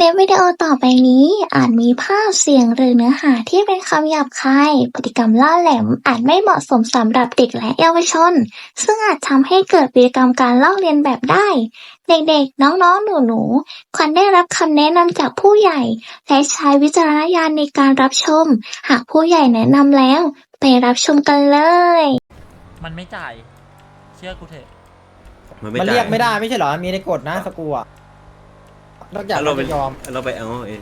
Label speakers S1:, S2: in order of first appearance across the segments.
S1: ลิปวิดีโอต่อไปนี้อาจมีภาพเสียงหรือเนื้อหาที่เป็นคำหยาบคายพฤติกรรมล่าแหลมอาจไม่เหมาะสมสำหรับเด็กและเยาวชนซึ่งอาจทำให้เกิดพฤติกรรมการลอกเลียนแบบได้เด็กๆน้องๆหนูๆควรได้รับคำแนะนำจากผู้ใหญ่และใช้วิจารณญาณในการรับชมหากผู้ใหญ่แนะนำแล้วไปรับชมกันเลย
S2: มันไม่จ่ายเชื่อกูเถอะ
S3: มันเรียกไม่ได้ไม่ใช่เหรอมีในกฎนะสกูอ่ะนอกจากเราจะยอม
S4: เราไปเอาเอง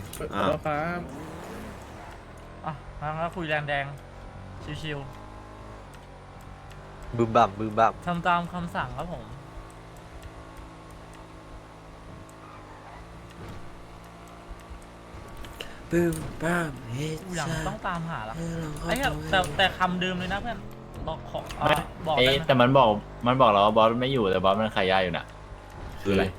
S2: อ่ะมาคุยแรงแดงชิว
S5: บึมบั่มบึมบั่ม
S2: ๆทำตามคำสั่งครับผม
S4: บึ้มบ้ามเฮ้ย
S2: อย่างต้องตามหาแล้วไอ้แต่คำเดิมเลยนะเพื่อนบอกขอบอกได้ไหม
S6: แต่มันบอกเราว่าบอสไม่อยู่แต่บอสมันขายยาอยู่น่ะคืออะไร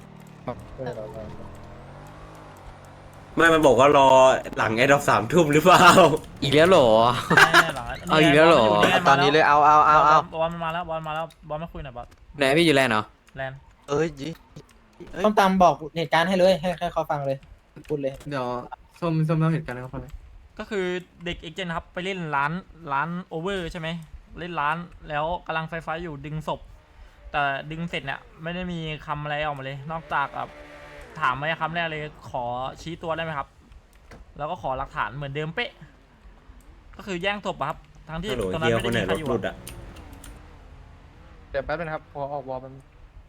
S4: ไม่มันบอกว่ารอหลังไอ้ดอก3 ทุ่มหรือเปล่า
S5: อีกแล้วหรอเอาอีกแล้วหรอตอนนี้เลยเอา
S2: บอลมันมาแล้วบอลมาแล้วบอลมาคุยหน่อยบอล
S5: ไหนพี่อยู่แลนด์เหรอ
S2: แลนด์
S3: ต้องตามบอกเหตุการณ์ให้เลยให้เขาฟังเลยพูดเลย
S7: เดี๋ยวส้มเล่าเหตุการณ์ให้เขาฟังเลย
S2: ก็คือเด็กเอ็กเจนครับไปเล่นร้านโอเวอร์ใช่ไหมเล่นร้านแล้วกำลังไฟอยู่ดึงศพแต่ดึงเสร็จเนี่ยไม่ได้มีคำอะไรออกมาเลยนอกจากถามมาคำแรกเลยขอชี้ตัวได้ไหมครับแล้วก็ขอหลักฐานเหมือนเดิมเป๊ะก็คือแย่งศพครับทั้งที่ตอนนั้นไม่ได้มีใครอยู่
S7: เดี๋ยวแป๊บนึงครับพอออกวอลมัน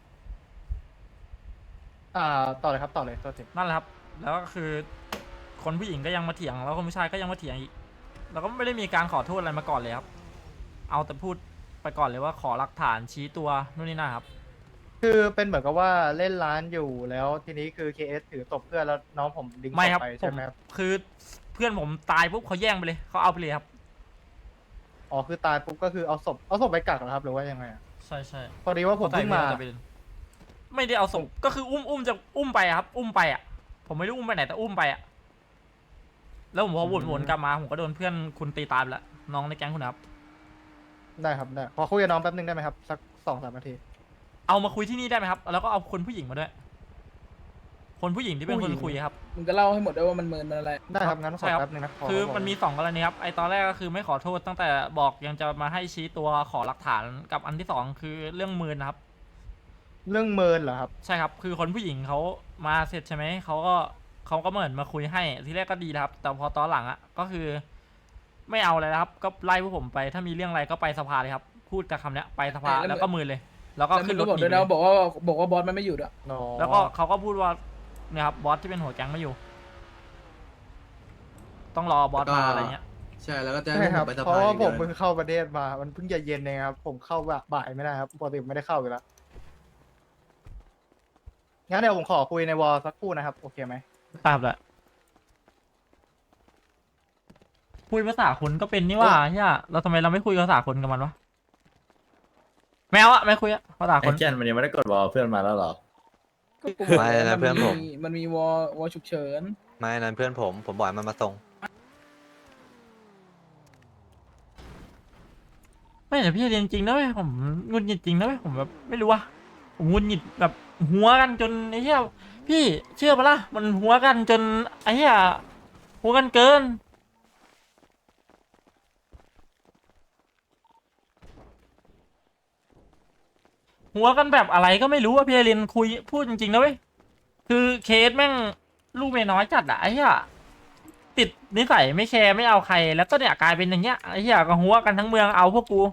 S7: ต่อเลยครับต่อเลยตัวจริง
S2: นั่นแหละครับแล้วก็คือคนผู้หญิงก็ยังมาเถียงแล้วคนผู้ชายก็ยังมาเถียงอีกแล้วก็ไม่ได้มีการขอโทษอะไรมาก่อนเลยครับเอาแต่พูดไปก่อนเลยว่าขอหลักฐานชี้ตัวนู่นนี่นั่นครับ
S7: คือเป็นเหมือนกับว่าเล่นร้านอยู่แล้วทีนี้คือ KS ถือตบเพื่อนแล้วน้องผมดึงศพไปใช่ไหมครับ
S2: คือเพื่อนผมตายปุ๊บเขาแย่งไปเลยเขาเอาไปเลยครับ
S7: อ๋อคือตายปุ๊บก็คือเอาศพไปกักเหรอครับหรือว่ายังไง
S2: ใช่
S7: พอดีว่าผมเพิ่งมา
S2: ไม่ได้เอาศพก็คืออุ้มจะอุ้มไปครับอุ้มไปอ่ะผมไม่รู้อุ้มไปไหนแต่อุ้มไปอ่ะแล้วผมพอวนกลับมาผมก็โดนเพื่อนคุณตีตายไปแล้วน้องในแก๊งคุณครับ
S7: ได้ครับได้พอคุยกับน้องแป๊บนึงได้ไหมครับสัก2-3 นาที
S2: เอามาคุยที่นี่ได้ไหมครับแล้วก็เอาคนผู้หญิงมาด้วยคนผู้หญิงที่เป็นคนคุยครับ
S8: มึงก็เล่าให้หมดด้วยว่ามันเมินมันอะไร
S7: ได้ครับงั้นขอแป๊บนึงนะ
S2: คือมันมี2 กรณีครับไอตอนแรกก็คือไม่ขอโทษตั้งแต่บอกยังจะมาให้ชี้ตัวขอหลักฐานกับอันที่2คือเรื่องเมินนะครับ
S7: เรื่องเมินเหรอครับ
S2: ใช่ครับคือคนผู้หญิงเขามาเสร็จใช่ไหมเขาก็เหมือนมาคุยให้ทีแรกก็ดีนะครับแต่พอตอนหลังก็คือไม่เอาอะไรครับก็ไล่พวกผมไปถ้ามีเรื่องอะไรก็ไปสภาเลยครับพูดกับคำเนี้ยไปสภาแล้วก็มือเลยแล้วก็ขึ้นรถ
S8: บอกด้วยนะบอกว่าบอสมันไม่อยู่ด้วย
S2: แล้วก็เขาก็พูดว่าเนี่ยครับบอสที่เป็นหัวแก๊งไม่อยู่ต้องรอบอสมาอะไรเงี้ย
S7: ใช่แล้วก็จะให้ผมไปสภาเพราะว่าผมเพิ่งเข้าประเทศมามันเพิ่งเย็นเองครับผมเข้าบ่ายไม่ได้ครับปกติไม่ได้เข้าอยู่แล้วงั้นเดี๋ยวผมขอคุยในวอลสักครู่นะครับโอเคไหม
S2: ทราบแล้วคุยภาษาคนก็เป็นนี่ว่าเฮียเราทำไมเราไม่คุยภาษาคนกับมันวะแมวอะไม่คุยอะภาษาคน
S6: แกนมันยังไม่ได้กดวอลเพื่อนมาแล้วหรอ
S5: ไม่นะเพื่อนผม
S8: มันมีวอฉุกเฉิน
S5: ไม่นั้นเพื่อนผมบอกมันมาส่ง
S2: ไม่แต่พี่เรียนจริงนะเว้ยผมงุนหงิดจริงนะเว้ยผมแบบไม่รู้ว่าผมงุนหงิดแบบหัวกันจนไอ้เหี้ยพี่เชื่อปะล่ะมันหัวกันจนไอ้เหี้ยหัวกันเกินหัวกันแบบอะไรก็ไม่รู้ว่าพี่เรียนคุยพูดจริงๆนะเว้ยคือเคสแม่งลูกเมียน้อยจัดอะไอ้เหี้ยติดนิสัยไม่แคร์ไม่เอาใครแล้วก็เนี่ยกลายเป็นอย่างเงี้ยไอ้เหี้ยก็หัวกันทั้งเมืองเอาพวกกู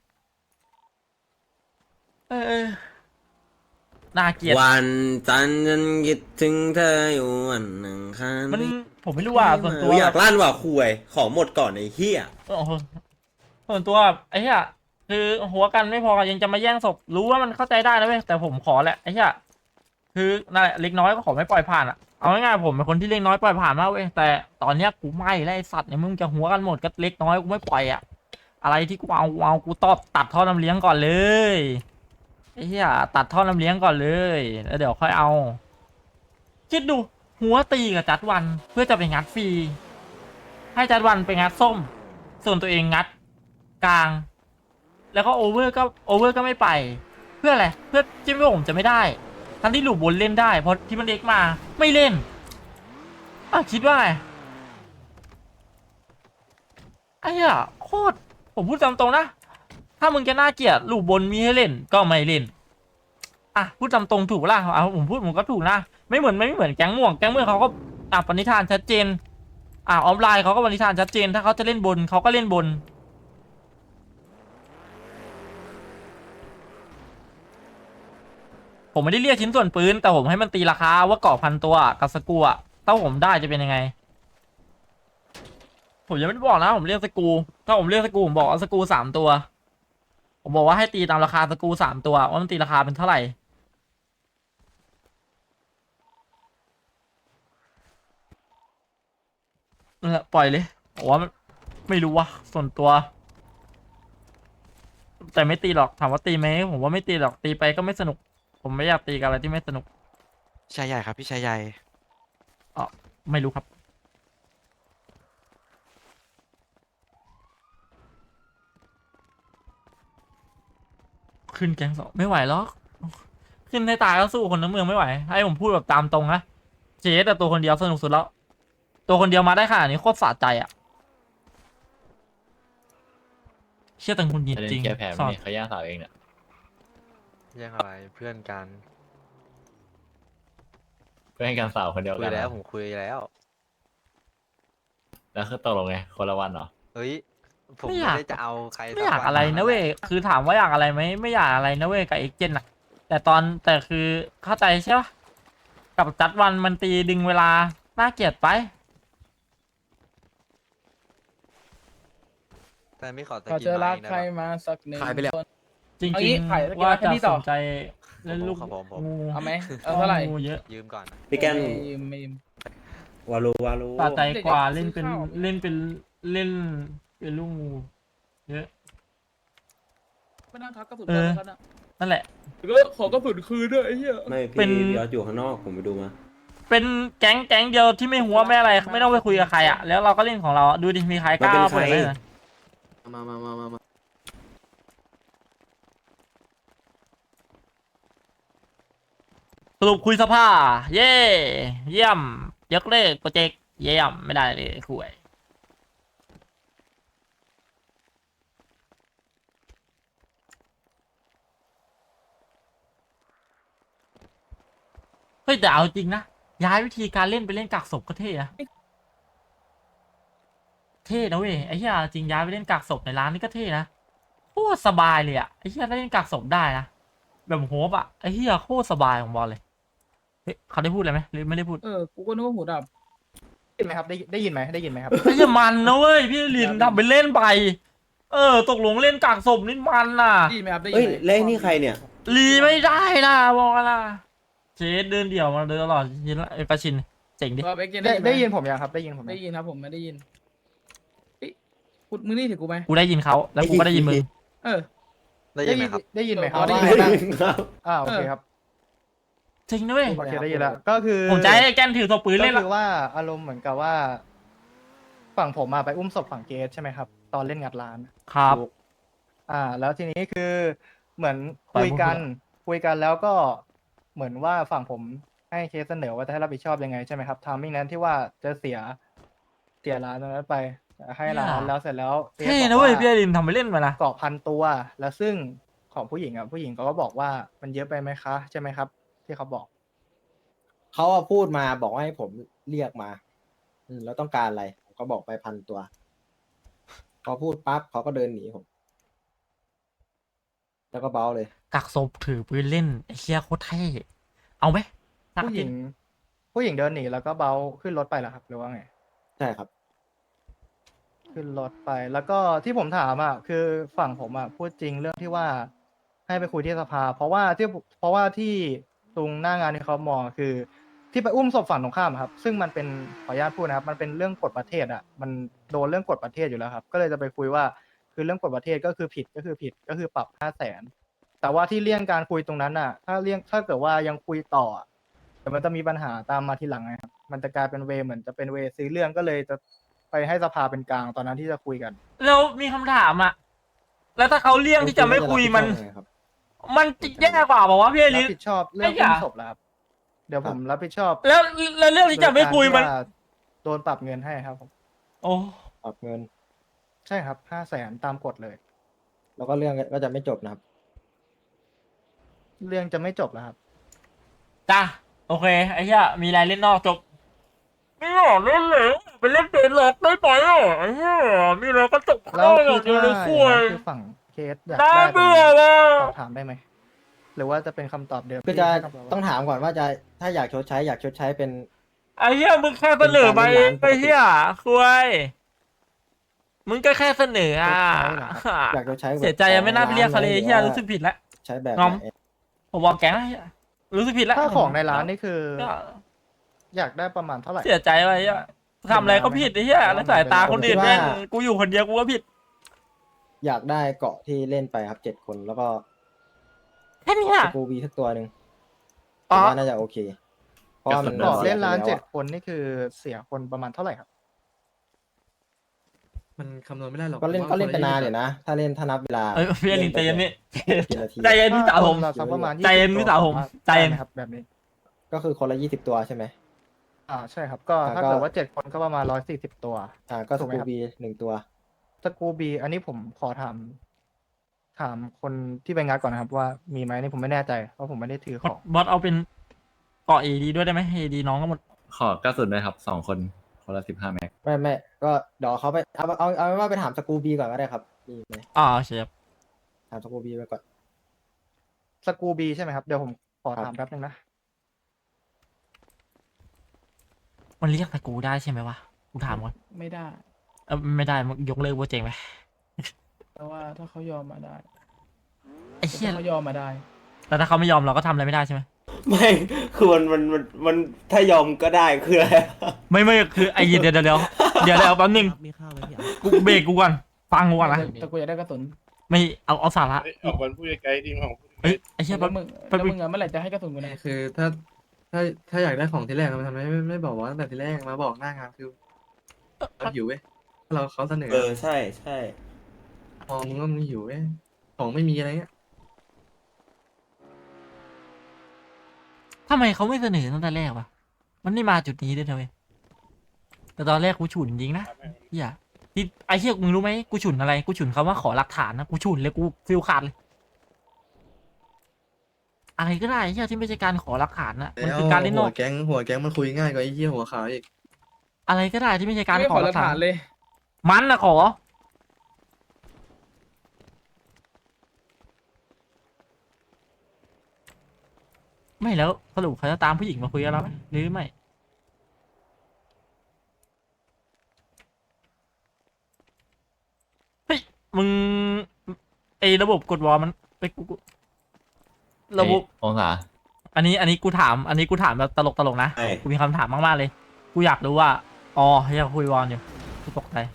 S2: น่าเกลียด
S4: วันจันทร์ฉันคิดถึงเธออยู่วันหนึ่งคัน
S2: มันผมไม่รู้ว่าส่วนตัว
S4: อยากลั่นว่าคุยขอหมดก่อนไอ้เหี้ย
S2: ส่วนตัวไอ้เหี้ยคือหัวกันไม่พอยังจะมาแย่งศพรู้ว่ามันเข้าใจได้นะเว้ยแต่ผมขอแหละไอ้เหี้ยคือนั่นแหละเล็กน้อยก็ขอไม่ปล่อยผ่านเอาง่ายๆผมเป็นคนที่เล็กน้อยปล่อยผ่านมากเว้ยแต่ตอนเนี้ยกูไม่ไอ้สัตว์เนี่ยมึงจะหัวกันหมดก็เล็กน้อยกูไม่ปล่อยอะไรที่กูเอากูตอบตัดท่อน้ำเลี้ยงก่อนเลยไอ้เหี้ยตัดท่อน้ำเลี้ยงก่อนเลยแล้วเดี๋ยวค่อยเอาคิดดูหัวตีกับจัดวันเพื่อจะไปงัดฟรีให้จัดวันไปงัดส้มส่วนตัวเองงัดกลางแล้วก็โอเวอร์ก็ไม่ไปเพื่ออะไรเพื่อที่ผมจะไม่ได้ทั้งที่หลุดบนเล่นได้เพราะที่มันเล็กมาไม่เล่นคิดว่าไงไอ้เหี้ยโคตรผมพูดตามตรงนะถ้ามึงจะน่าเกลียดลูกบนมีให้เล่นก็ไม่เล่นพูดตามตรงถูกปะล่ะผมพูดผมก็ถูกนะไม่เหมือนแก๊งม่วงเขาก็ปณิธานชัดเจนออฟไลน์เขาก็ปณิธานชัดเจนถ้าเขาจะเล่นบนเขาก็เล่นบนผมไม่ได้เรียกชิ้นส่วนปืนแต่ผมให้มันตีราคาว่าเกาะพันตัวกับสกูถ้าผมได้จะเป็นยังไงผมยังไม่ได้บอกนะผมเรียกสกูถ้าผมเรียกสกูผมบอกเอาสกู3 ตัวผมบอกว่าให้ตีตามราคาสกู3 ตัวว่ามันตีราคาเป็นเท่าไหร่นั่นแหละปล่อยเลยผมว่าไม่รู้ว่าส่วนตัวแต่ไม่ตีหรอกถามว่าตีไหมผมว่าไม่ตีหรอกตีไปก็ไม่สนุกผมไม่อยากตีกับอะไรที่ไม่สนุก
S9: ชายใหญ่ครับพี่ชายใหญ่
S2: ไม่รู้ครับขึ้นแก๊งสองไม่ไหวหรอกขึ้นให้ตายก็สู้คนทั้งเมืองไม่ไหวให้ผมพูดแบบตามตรงนะเจสแต่ตัวคนเดียวสนุกสุดแล้วตัวคนเดียวมาได้ขนาดนี้โคตรสะใจอ่ะเชื่อตังคุณยิน
S6: จะเล่
S2: จริ
S6: น
S2: ง
S6: แก้แพ้
S2: สอด
S6: ไม่เขาย่างสาวเองเนี่ย
S5: ยังอะไรเพื่อนกัน
S6: เพื่อนกันสาวคนเดียว
S5: คุ
S6: กั
S5: ย
S6: น
S5: แล้ว
S6: นะ
S5: ผมคุยแล้ว
S6: แล้วคือตกลงไงคนละวันเหรอ
S5: เฮ้ยผม
S2: ไม่
S5: ไม่
S2: อยาก
S5: ได้จะเอาใคร
S2: ไม่อยาก
S5: สัวั
S2: อะไรนะเว้ยคือถามว่าอยากอะไรไหมไม่อยากอะไรนะเว้ยกับเอ็กเจนอะแต่คือเข้าใจใช่ปะกับจัดวันมันตีดึงเวลาน่าเกลียดไป
S5: แต่ไม่ขอตะ
S8: เขา
S5: กิน
S8: จะรัก
S5: ไม้นะ
S8: ใครมาสักหนึ่ง
S3: ขายไปแล้ว
S8: คน
S2: จริง
S8: เอางี้ขายแล้ว
S2: ๆว่า
S8: กินอะไร
S2: จะ
S8: ให้พี่ต่
S2: ส
S8: อ
S2: นใจเล่นลูก
S5: ครับผม
S2: งู
S8: เอาไหมเอาเท่าไหร่
S2: งูเยอะ
S5: ยืมก่อน
S4: พี่แก้ม
S8: ไม่ยืมไม่ยืม
S4: วารู
S2: สะใจกว่า
S8: เด็
S2: เล่
S8: ก
S2: น
S8: ๆ
S2: เป็น
S8: ซื้อข้าว
S2: เล่นเป็นเล่นเป็นลูกงูเยอะ
S8: ไม่นั่งทักกระสุน
S2: เออ
S8: กันนะ
S2: นั่นแหละ
S8: ก็ขอกระสุนคืนด้วยไอ้เหี้ย
S4: ไม่
S2: เป็น
S4: พี่ยอดอยู่ข้างนอกผมไปดูมา
S2: เป็นแก๊งเดียวที่ไม่หัวไม่อะไรไม่ต้องไปคุยกับใครอ่ะแล้วเราก็เล่นของเราดูดิมีใครกล้าเปิดไหมนะ
S3: มา
S2: สรุปคุยสภาเย่เยี่ยมยกเลิกโปรเจกต์เยี่ยมไม่ได้เลยคุยเฮ้ยแต่เอาจริงนะย้ายวิธีการเล่นไปเล่นกักศพก็เท่นะเท่นะเว้ยไอ้เหี้ยจริงย้ายไปเล่นกักศพในร้านนี่ก็เท่นะโคตรสบายเลยอ่ะไอ้เหี้ยได้เล่นกักศพได้นะแบบโฮปอ่ะไอ้เหี้ยโคตรสบายของบอลเลยเฮ้ยเขาได้พูดอะไรไหมหรือไม่ได้พูด
S8: กูก็นึกว่าหูดับ
S7: ได้ยินไหมครับได้ยินไหมได้ยินไหมครับ
S2: ไอ้เหี้ยมันนะเว้ยพี่ลินทำไปเล่นไปตกลงเล่นกักศพนี่มันน่ะ
S8: ได้ยินไหมครับได้ยิ
S4: เอ้ย
S8: นไหม
S4: เล่นนี่ใครเนี่ย
S2: รีไม่ได้นะบอกนะเจสเดินเดี่ยวมาเดินตลอดยินละกระชินเจ๋งดิ
S8: ว่าเอ็กเจน
S7: ได้ยิน
S8: ไหม
S7: ผมยังครับได้ยินผมยัง
S8: ได้ยินครับผมไม่ได้ยินเฮ้ยกูมึงนี่ถือกูไหม
S2: กูได้ยินเขาแล้วกูก็ได้ยินมึง
S8: เออ
S5: ได้ยินไหมครับ
S7: ได้ยินไหมครับ
S8: ได้ยิน
S7: ว่านั่ง
S4: ครับ
S7: โอเคครับ
S2: จริงนะเว้ย
S7: โอเคได้ยินแล้วก็คือ
S2: ผมจะให้แกนถือตัวปืน
S7: ก็
S2: เล่น
S7: คื
S2: ละ
S7: อว่าอารมณ์เหมือนกับว่า ฝั่งผมมาไปอุ้มศพฝั่งเกสใช่ไหมครับ ตอนเล่นงัดร้าน
S2: ครับ
S7: แล้วทีนี้คือเหมือนคุยกันแล้วก็เหมือนว่าฝั่งผมให้เคสเสนอว่าจะให้รับผิดชอบยังไงใช่ไหมครับทามมิ่งนั้นที่ว่าจะเสียร้านตรงนั้นไปให้ร้านแล้วเสร็จแล้วคส
S2: เท่
S7: บอก
S2: นะเว้ย
S7: ว่า
S2: พี่ลินทำไปเล่นมานะ
S7: เกาะ1,000 ตัว แล้วซึ่งของผู้หญิงผู้หญิงเขาก็บอกว่ามันเยอะไปไหมคะใช่ไหมครับ ที่เขาบอก
S3: เขาอะพูดมาบอกว่าให้ผมเรียกมาแล้วต้องการอะไรผมก็บอกไป1,000 ตัวพอพูดปั๊บเขาก็เดินหนีผมแล้วก็เบ้าเลย
S2: กักศพถือปืนเล่นไอ้เชี่ยโคตรเท่เอาไหม
S7: ผู้หญิงเดินหนีแล้วก็เบ้าขึ้นรถไปเหรอครับหรือว่าไง
S3: ใช่ครับ
S7: ขึ้นรถไป แล้วก็ที่ผมถามคือฝั่งผมพูดจริงเรื่องที่ว่าให้ไปคุยที่สภา เพราะว่าที่ตรงหน้างานที่เขามองคือ ที่ไปอุ้มศพฝั่งตรงข้ามครับ ซึ่งมันเป็นขออนุญาตพูดนะครับ มันเป็นเรื่องกฎประเทศมันโดนเรื่องกฎประเทศอยู่แล้วครับ ก็เลยจะไปคุยว่าคือเรื่องกฎประเทศก็คือผิดก็คือปรับ500,000แต่ว่าที่เลี่ยงการคุยตรงนั้นถ้าเกิดว่ายังคุยต่อเดี๋ยวมันจะมีปัญหาตามมาทีหลังนะครับมันจะกลายเป็นเหมือนจะเป็นซื้อเรื่องก็เลยจะไปให้สภาเป็นกลางตอนนั้นที่จะคุยกัน
S2: แล้วมีคำถามอ่ะแล้วถ้าเขาเลี่ยงที่จะไม่คุยมันจะแย่กว่าบอกว่าพี่
S7: รั
S2: ลิ
S7: บ
S2: น
S7: ผิดชอบเรื่อง
S2: ไอ้
S7: อุ้
S2: ห่า
S7: มศพแล้วครับ เดี๋ยวผมรับผิดชอบ
S2: แล้วเรื่องที่จะไม่คุยมัน
S7: โดยการที่ว่าโดนปรับเงินให้ครับผม
S2: โอ้
S3: ปรับเงิน
S7: ใช่ครับ500,000ตามกฎเลย
S3: แล้วก็เรื่องก็จะไม่จบนะครับ
S7: เรื่องจะไม่จบแล้วครับ
S2: จ้าโอเคไอ้เหี้ยมีอะไรเล่นนอกจบไม่อยากเล่นเลยไปเล่นเดนล็อกได้ไหมอ่ะไอ้เหี้ยมีอะไรก็จบ
S7: แล้ว
S2: อ
S7: คื
S2: ย่า
S7: อง
S2: เดียวเลย
S7: ถ้า
S2: คุ
S7: อย่าง
S2: ย
S7: นั้นคือฝั่งเคสอยาก
S2: น่า
S7: ได้
S2: เบื่อ
S7: แบบ
S2: ว่ะ
S7: สอบถามได้ไหม หรือว่าจะเป็นคำตอบเดิม
S3: คือจะ
S7: ที่ให้คำตอบว่า
S3: ต้องถามก่อนว่าจะถ้าอยากชดใช้เป็น
S2: ไอ้เหี้ยมึงแค่เสนอมาเองไอ้เหี้ยคุยมึงก็แค่เสนออ่ะ
S3: อยากชดใช้แบบ
S2: เสียใจยังไม่น่าไปเรียกเขาเลย
S3: หอ
S2: เฮีย
S3: ว่า
S2: รู้สึกผิดแล้ว
S3: ใช้แบบ
S2: งอม
S3: ไหน
S2: ผมบอกแกนะเหี้ยรู้สึกผิดแล้ว
S7: ถ้าของในร้านนี่คือ
S2: ก็
S7: อยากได้ประมาณเท่าไหร่
S2: เสียใจไปเฮียทำอะไรก็ผิดไอ้เฮียแล้วสายตาคนอื่นแม่งกูอยู่คนเดียวกูก็ผิด
S3: อยากได้เกาะที่เล่นไปครับ7 คนแล้วก็
S2: แค่เนี้ย
S3: สกูบีสักตัวหนึ่ง
S2: อ๋
S3: ผ
S2: อ
S3: มว่าน่าจะโอเค เพราะว่ามัน
S7: ต่อเล่นร้าน
S3: สียไปแวอะ
S7: 7 คนนี่คือเสียคนประมาณเท่าไหร่ครับ
S5: มันคำนวณไม่ได้หรอก
S3: ก็เล่น
S5: พราะ
S3: ก็
S5: ว่า
S3: เล่นไปนาน
S5: ค
S3: เดี๋ยวนะ ถ้านับเวลา
S2: เอ้ยพี่อลินใจเย็นนี่
S3: กี่นาที
S2: ใจเย็นพี่สาวผม
S7: ถ้าคนละสักประมาณ
S2: ใจเย็น
S7: 20
S2: พี่สาวผม
S7: ตัว
S2: ใจเย็น
S7: ได้ไหมครับแบบนี้
S3: ก็คือคนละ20 ตัวใช่ไหม
S7: ใช่ครับ ก็
S3: อ่า
S7: ถ้า
S3: ก็
S7: เกิดว่า7 คนก็ประมาณ140 ตัว
S3: ก็ส
S7: ถูกไหม
S3: กู
S7: ครับ
S3: บี1 ตัว
S7: สกูบีอันนี้ผมขอถามคนที่ไปงัดก่อนนะครับ ว่ามีไหมนี่ผมไม่แน่ใจเพราะผมไม่ได้ถือของ
S2: บอสเอาเป็นเกาะเอดีด้วยได้ไหมเอดีน้องก็หมด
S6: ขอกระสุนด้วยครับ2 คนคนละ15 แม็ก
S3: ไม่ก็เดี๋ยวเขาไปเอาเป็นว่าไปถามสกูบีก่อนก็ได้ครับมีไหม
S2: เชฟ
S3: ถามสกูบีไปก่อน
S7: สกูบีใช่ไหมครับ เดี๋ยวผมขอ
S3: ครับ
S7: ถามแป๊บนึงนะ
S2: มันเรียกตะกูได้ใช่ไหมวะกูถามก่อน
S8: ไม่ได้
S2: ไม่ได้มึงยกเลิกโปรเจกต์ไป
S8: แต่ว่าถ้าเขายอมมาได้
S2: ไอ้เหี้ย
S8: ถ้าเขายอมมาได้
S2: แล้วถ้าเขาไม่ยอมเราก็ทำอะไรไม่ได้ใช่ไหม
S4: ไม่คือมันถ้ายอมก็ได้คืออะไร
S2: ไม่คือไอ้เดี๋ยวแป๊บนึง
S5: มีข้าวไหมพี่
S2: กูเบรกกูก่อนฟังกูก่อนนะ
S8: แต่กูอยากได้กระสุน
S2: ไม่เอาสาระ
S10: ออกวันพูดไกลๆทีมของ
S2: เอ้ยไอ้เชี่ย
S8: แล้
S2: แป๊
S8: ว
S2: บ
S8: มึง
S2: แป๊บ
S8: แล้วมึงอะเมื่อไหร่จะให้กระสุนกูนะ
S5: คือถ้าอยากได้ของที่แรกมันทำไมไม่บอกว่าตั้งแต่ที่แรกมาบอกหน้างานคือเราหิวเว้ยถ้าเราเขาเสนอ
S4: ใช่ใช่
S5: มองมึงว่ามึงหิวเว้ยของไม่มีอะไรเงี้ย
S2: ทำไมเขาไม่เสนอตั้งแต่แรกวะมันไม่มาจุดนี้ด้วยนะเว้ยแต่ตอนแรกกูฉุนจริงนะเฮียที่ไอ้เชี่ยมึงรู้ไหมกูฉุนอะไรกูฉุนคำว่าขอหลักฐานนะกูฉุนเลยกูฟิลขาดเลยอะไรก็ได้เฮียที่ไม่ใช่การขอหลักฐานนะมันคือการเล่นน
S5: หั
S2: อ
S5: ว
S2: ก
S5: แก๊งมันคุยง่ายกว่าไอ้เหี้ยหัวขาวอีก
S2: อะไรก็ได้ที่ไม่ใช่การ
S8: ไม่
S2: ข
S8: ข
S2: อ
S8: อ
S2: ห
S8: ห
S2: ลั
S8: ลั
S2: ก
S8: ก
S2: ฐา
S8: ฐาน นเลย
S2: มันนะขอ ไม่แล้วสรุปเขาจะตามผู้หญิงมาคุยกับเราไหมหรือไม่เฮ้ยมึงไอ้ระบบกดวอลมันไปกูระบบ
S6: องศา
S2: อันนี้กูถามแบบตลกนะ
S4: ใช่
S2: กูมีคำถามมากๆเลย กูอยากรู้ว่าอ๋ออยากคุยวอลอยู่กูตกใจ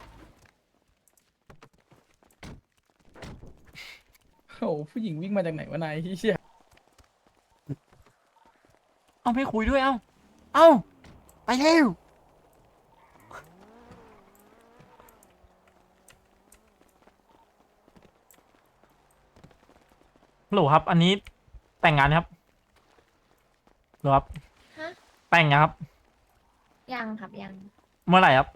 S8: โอ้โหผู้หญิงวิ่งมาจากไหนวะนายเฮีย
S2: เอาไม่คุยด้วยเอ้าไปเร็วฮัลโหลครับ อันนี้แต่งงานครับฮัลโหลครับ
S11: ฮะ
S2: แต่งงานครับ
S11: ยังครับยัง
S2: เมื่อไหร่ครับ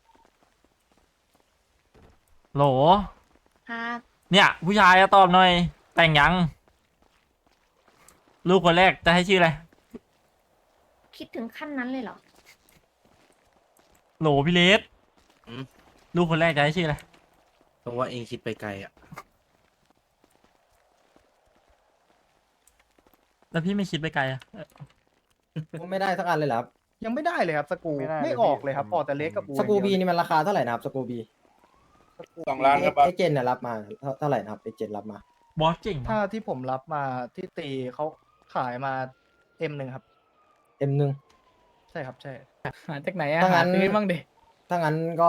S2: โหล
S11: ครับ
S2: เนี่ยผู้ชายอะตอบหน่อย แต่งยัง ลูกคนแรกจะให้ชื่ออะไร
S11: คิดถึงขั้นนั้นเลยเหรอ
S2: โหลพี่เลสลูกคนแรกจะให้ชื่ออะไร
S5: เพราะว่าเองคิดไปไกลอ่ะ
S2: แล้วพี่ไม่คิดไปไกลอะ
S3: ไม่ได้สักอันเลยเหรอครับ
S7: ยังไม่ได้เลยครับสกู
S3: ไม่ได้เลย
S7: ไม่ออกเลยครับออกแต่เล็กกับอู
S3: สกูบี
S7: อย่างเดียว
S3: นี่มันราคาเท่าไหร่นะครับสกูบี
S10: 2 ล้านครับ
S3: เอเจนต์รับมาเท่าไหร่นะครับเอเจนต์รับมา
S2: บอสเก่ง
S7: ถ้า
S2: เนาะ
S7: ที่ผมรับมาที่ตีเขาขายมาM1ครับ
S3: M1
S7: ใช่ครับใช่
S8: หาจากไหนอะ
S3: ถ้างั้
S8: หาน ซื้อบ้างดิ
S3: ถ้างั้นก็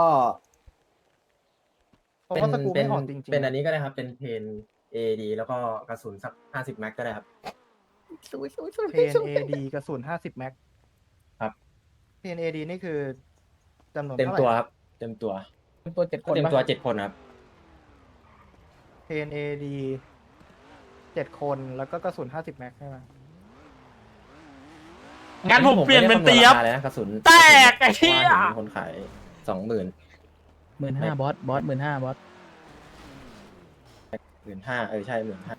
S7: เพราะว่าสกูไม่ออกจริงๆ
S3: เป็นอันนี้ก็ได้ครับ เป็นเพน AD แล้วก็กระสุนสัก50 แม็กก็ได้ครับ
S7: เพน AD กระสุน50 แม็ก
S3: ครับ
S7: เพน AD นี่คือจำนวน
S3: เต็ม
S7: เท่าไหร่
S3: ตัวครับ เต็มตัว
S8: เป็นตัว7 คน
S3: เต็ม
S8: ปะ
S3: ตัว7 คนครับ
S7: เพน AD 7 คนแล้วก็กระสุน50 แม็กใช่ไหม
S2: โงั้นผมเปลี่ยนเป็นเตียบ
S3: ผมไม่ได้คำนวณราคาเลยนะกระสุน
S2: แตกไอ้เหี้ย
S3: ว่ามีคนขาย20,000
S8: 15,000บอส15,000บอส
S3: 15,000ใช่15,000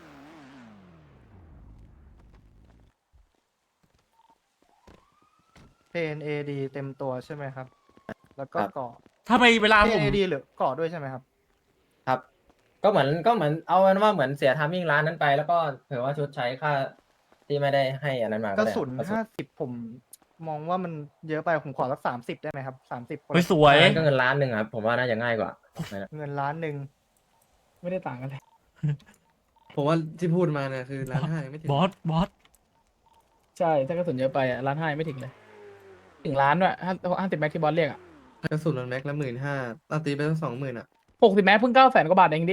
S7: PNAD เต็มตัวใช่ไหมครับ แล้วก็เกาะ
S2: ทำไมเวลาผม
S7: PNAD หรือเกาะด้วยใช่ไหมครับ
S3: ครับ ก็เหมือนเอาเป็นว่าเหมือนเสียทามมิ่งร้านนั้นไป แล้วก็เผื่อว่าชดใช้ค่าที่ไม่ได้ให้อันนั้นมาก
S7: ระ
S3: ได้
S7: สุน
S3: กระสุน
S7: 50ผมมองว่ามันเยอะไปผมขอสัก30ได้ไหมครับ30คน
S2: เฮ้ยสวย
S3: ก็เงินล้านหนึ่งครับผมว่าน่าจะง่ายกว่า
S7: เงินล้านหนึ่ง
S8: ไม่ได้ต่างกันเลย
S5: ผมว่าที่พูดมาเนี่ยคือ1,500,000ยังไม่ถึง
S2: บอส
S8: ใช่ถ้ากระสุนเยอะไปอ่ะ1,500,000ไม่ถึงเลยถึงล้านด้วย50แม็กที่บอสเรียกอ่ะ
S5: กระสุนมันแม็กละ15,000ตีไปตั้ง20,000อ่ะ
S8: 60แม็กเพิ่ง900,000 กว่าบาทเองดิ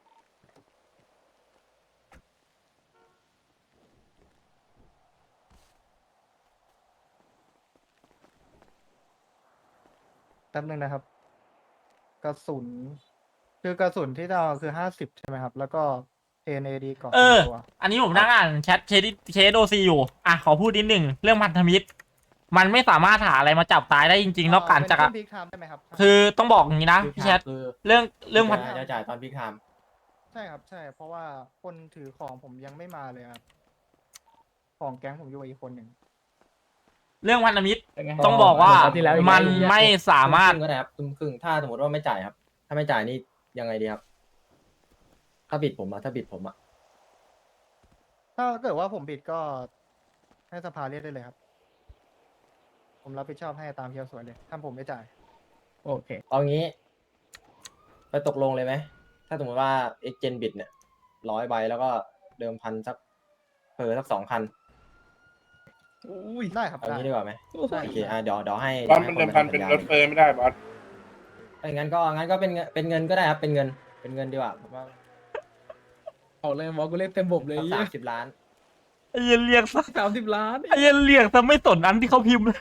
S7: แป๊บนึงนะครับ กระสุน คือกระสุนที่เราคือ50ใช่ไหมครับ แล้วก็ PNAD เกาะ
S2: เอ
S7: เต็
S2: อ
S7: มตัว
S2: อันนี้ผมนั่งอ่านแชทเคสโอซีอยู่ อ่ะ ขอพูดนิดหนึ่งเรื่องพันธมิตร มันไม่สามารถหาอะไรมาจับตายได้จริงๆนอกจาก
S7: เป็นช่วง peak time ได้ไหมครับ
S2: คือต้องบอกอย่างนี้นะพี่แชท
S3: คือ
S2: เรื่องพัน
S3: จะจ่ายตอนพิกไทม์
S7: ใช่ครับ ใช่ เพราะว่าคนถือของผมยังไม่มาเลยครับ ของแก๊งผมอยู่กับอีกคนหนึ่ง
S2: เรื่องพันธมิตร
S8: เป็นไง
S2: ต้องบอกว่า
S8: ครที่แล้วอีก
S2: มัน
S8: แล้ว
S2: ไม่สามารถ
S3: ครึ่งก็ได้ครับครึ่งถ้าสมมติว่าไม่จ่ายครับ ถ้าไม่จ่ายนี่ยังไงดีครับ ถ้าบิดผมอะ
S7: ถ้าเกิดว่าผมผิดก็ให้สภาเรียกได้เลยครับ ผมรับผิดชอบให้ตามเที่ยวสวยเลย ถ้าผมไม่จ่าย
S8: โอเค
S3: เอางี้ ไปตกลงเลยไหม ถ้าสมมติว่า exchange bid เนี่ย100 ใบแล้วก็เดิมพันสักสัก2 คัน
S7: ได้ครับ
S3: เอา
S7: ได้
S3: งี้ดีกว่าไหม
S7: ได้
S3: โอเคเดี๋ยวให้
S10: บอสมันเดิมพันเป็นรถเฟอร์ไม่ได้บอส
S3: งั้นก็เป็นเงินก็ได้ครับ เป็นเงินดีกว่าผมว่า
S8: ออกเลยบอสกูเรียกเต็มบบเลย
S3: สัก30 ล้าน
S2: ไอ้เหี้ยเรียกซะ
S8: 30 ล้าน
S2: ไอ้เหี้ยเรียกซะไม่สนอันที่เขาพิมพ์เลย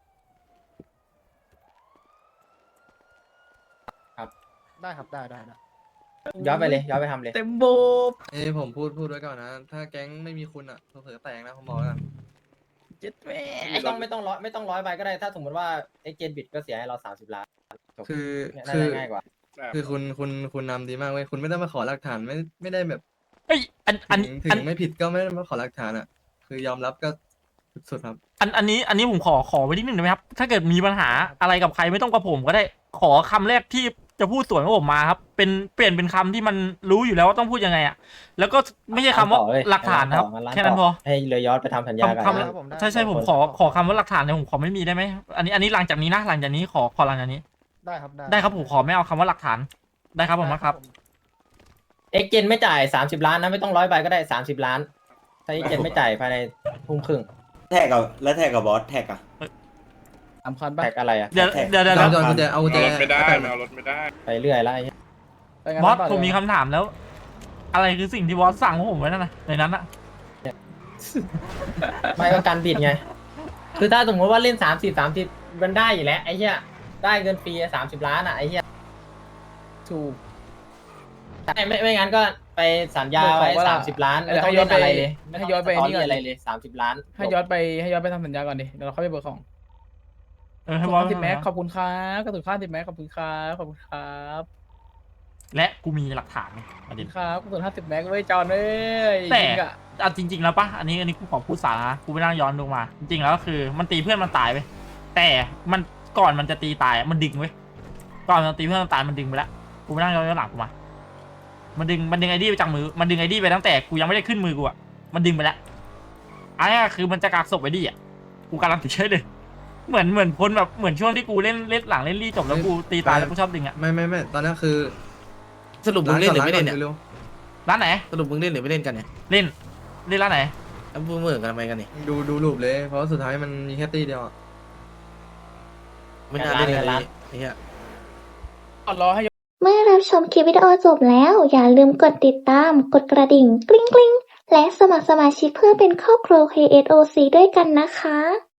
S7: ได้ครับ ได้
S3: ย้อนไปเลย ย้อนไปทำเลย
S8: เต็มบบ
S5: ผมพูดไว้ก่อนนะ ถ้าแก๊งไม่มีคุณอ่ะเผลอๆแตกนะผมบอกแล้วกัน
S8: เจ็ดแม่
S3: ไม่ต้อง100 ใบก็ได้ ถ้าสมมติว่า exchange bid ก็เสียให้เรา30 ล้านจบ
S5: คือ
S3: น่า
S5: คือ
S3: จะง่ายกว่า
S5: คือคุณนำดีมากเว้ยคุณไม่ได้มาขอหลักฐานไม่ได้แบบ
S2: เอ้ยอัน
S5: ถึงไม่ผิดก็ไม่ได้มาขอหลักฐานอ่ะ คือยอมรับก็สุดๆครับ
S2: อันนี้ผมขอไว้นิดหนึ่งได้ไหมครับ ถ้าเกิดมีปัญหาอะไรกับใครไม่ต้องกับผมก็ได้ ขอคำแรกที่จะพูดสวนกับผมมาครับ เปลี่ยนเป็นคำที่มันรู้อยู่แล้วว่าต้องพูดยังไงอ่ะ แล้วก็ไม่ใช่คำว่า
S3: ต่อเลย
S2: หลักฐานนะครับ
S3: งั้น
S2: แค่นั้นพอ
S3: ให้เรือยอดไปทำสัญญากัน
S2: คำ
S3: นะ
S7: ครับผมได้
S2: ใช่ผมขอคำว่าหลักฐานเนี่ยผมขอไม่มีได้ไหมอันนี้หลังจากนี้นะหลังจากนี้ขอหลังจากนี้
S7: ได้ครับ ได้
S2: ได้ครับผมขอไม่เอาคำว่าหลักฐานได้ครับผมนะครับ
S3: exchange ไม่จ่าย30 ล้านนะไม่ต้อง100 ใบก็ได้30 ล้าน ถ้า exchange ไม่จ่ายภายในทุ่มครึ่ง
S4: แท็กกับบอสแท็กอะ
S8: 3 คันป่ะ
S3: แท็กอะไรอะ
S2: เดี๋ยว
S3: แท็ก
S2: เดี๋ยว
S5: เอากุญแจเอากุญแจ
S10: เอารถไม่ได้
S5: เอา
S10: มันเอารถไม่ได้
S3: ไปเรื่อยแล้วไอ้เหี้ย
S8: ไปงั้น
S2: บอส
S8: ต่
S2: ผมมีคำถามแล้ว อะไรคือสิ่งที่บอสสั่งพวกผมไว้นั่นนะในนั้นอะ
S3: ไม่ก็การบิดไง คือถ้าสมมติว่าเล่น30มันได้อยู่แล้วไอ้เหี้ยได้เงินฟรี30 ล้านอะไอ้เหี้ย
S8: ถูก
S3: ไม่งั้นก็ไปสัญญาไว้
S8: บอกว่า
S3: 30 ล้านไม่ต้อง
S8: ให้ย้
S3: เล่
S8: อน
S3: น
S8: ไป
S3: อะไรเลย
S8: ให้ย้อนไป
S3: ม่ต้ง
S8: นี่ก่อน
S3: อะไรเลย30 ล้าน
S8: ให้ย้อนไปทำสัญญาก่อนดิเดี๋ยวเราค่อยไปเบิกของ
S2: ให้บอส
S8: 10 แม็กขอบคุณครับกระสุน50 แม็กขอบคุณครับขอบคุณครับ
S2: และกูมีหลักฐานไงป
S8: ขอ
S2: ระ
S8: บ
S2: เด็
S8: คุ
S2: น
S8: ณครับกระสุน50 แม็กเว้ยจอนเอ้ย
S2: แต่
S8: จริงอะ
S2: เอาจริง ๆ แล้วปะอันนี้กูขอพูดสาระกูไปนั่งย้อนดูมา จริงๆแล้วก็คือมันตีเพื่อนมันตายไปแต่มันก่อนมันจะตีตายมันดึงเว้ยก่อนมันตีเพื่อนมันตายมันดึงไปแล้วกูไปนั่งย้อนหลังกูมามันดึงไอดีไปจากมือมันดึงไอดีไปตั้งแต่กูยังไม่ได้ขึ้นมือกูอะมันดึงไปแล้วอันนี้คือมันจะกักศพไอดีอะกูการันตีเฉยเลยเหมือนพ้นแบบเหมือนช่วงที่กูเล่นหลังเล่นรีจบแล้วกูตีตายแล้วกูชอบดึงอะ
S5: ไม่ตอนนั้นคือ
S8: สรุปมึงเล่นหรือไม่เล่นเนี่ย
S5: เร็ว
S2: ร้านไหน
S8: สรุปมึงเล่นหรือไม่เล่นกันเนี่ย
S2: เล่นร้านไหน
S8: แล้วมึงเหมือนกันทำไมกันนี่
S5: ๆดูรูปเลย เพราะว่าสุดท้ายมันมีแค่ตีเดียวอะ
S8: ไม่น่าเล่นกันเลยไอ้เหี้ยรอให้
S1: เมื่อรับชมคลิปวิดีโอจบแล้ว อย่าลืมกดติดตาม กดกระดิ่ง กริ๊งกริ๊งและสมัครสมาชิกเพื่อเป็นครอบครัว KSOC ด้วยกันนะคะ